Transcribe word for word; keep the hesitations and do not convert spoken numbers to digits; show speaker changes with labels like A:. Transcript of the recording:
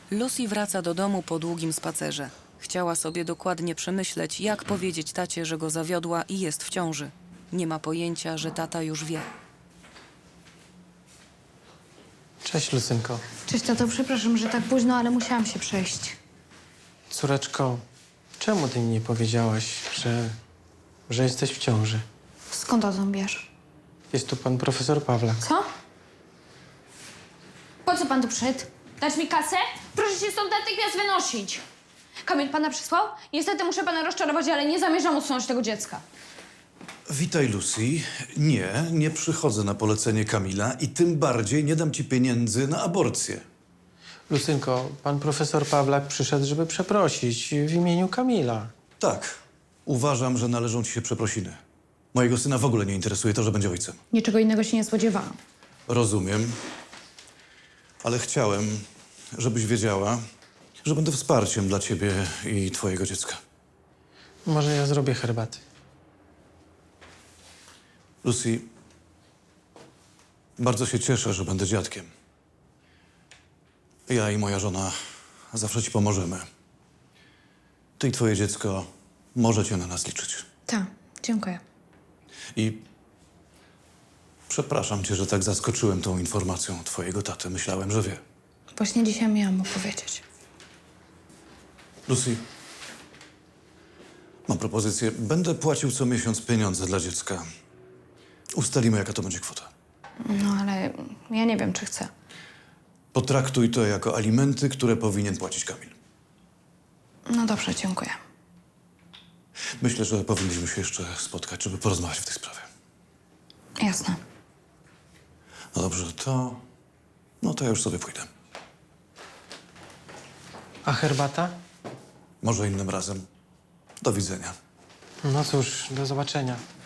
A: Lucy wraca do domu po długim spacerze. Chciała sobie dokładnie przemyśleć, jak powiedzieć tacie, że go zawiodła i jest w ciąży. Nie ma pojęcia, że tata już wie.
B: Cześć, Lucynko.
C: Cześć, tato, przepraszam, że tak późno, ale musiałam się przejść.
B: Córeczko, czemu ty mi nie powiedziałaś, że, że jesteś w ciąży?
C: Skąd o tym wiesz?
B: Jest tu pan profesor Pawlak.
C: Co? Po co pan tu przyszedł? Dać mi kasę? Proszę się stąd natychmiast wynosić. Kamil pana przysłał? Niestety muszę pana rozczarować, ale nie zamierzam usunąć tego dziecka.
D: Witaj, Lucy. Nie, nie przychodzę na polecenie Kamila i tym bardziej nie dam ci pieniędzy na aborcję.
B: Lucynko, pan profesor Pawlak przyszedł, żeby przeprosić w imieniu Kamila.
D: Tak, uważam, że należą ci się przeprosiny. Mojego syna w ogóle nie interesuje to, że będzie ojcem.
C: Niczego innego się nie spodziewałam.
D: Rozumiem, ale chciałem, żebyś wiedziała, że będę wsparciem dla ciebie i twojego dziecka.
B: Może ja zrobię herbaty.
D: Lucy, bardzo się cieszę, że będę dziadkiem. Ja i moja żona zawsze ci pomożemy. Ty i twoje dziecko możecie na nas liczyć.
C: Tak, dziękuję.
D: I przepraszam cię, że tak zaskoczyłem tą informacją twojego taty. Myślałem, że wie.
C: Właśnie dzisiaj miałam mu powiedzieć.
D: Lucy, mam propozycję. Będę płacił co miesiąc pieniądze dla dziecka. Ustalimy, jaka to będzie kwota.
C: No ale ja nie wiem, czy chcę.
D: Potraktuj to jako alimenty, które powinien płacić Kamil.
C: No dobrze, dziękuję.
D: Myślę, że powinniśmy się jeszcze spotkać, żeby porozmawiać w tej sprawie.
C: Jasne.
D: No dobrze, to... No to ja już sobie pójdę.
B: A herbata?
D: Może innym razem. Do widzenia.
B: No cóż, do zobaczenia.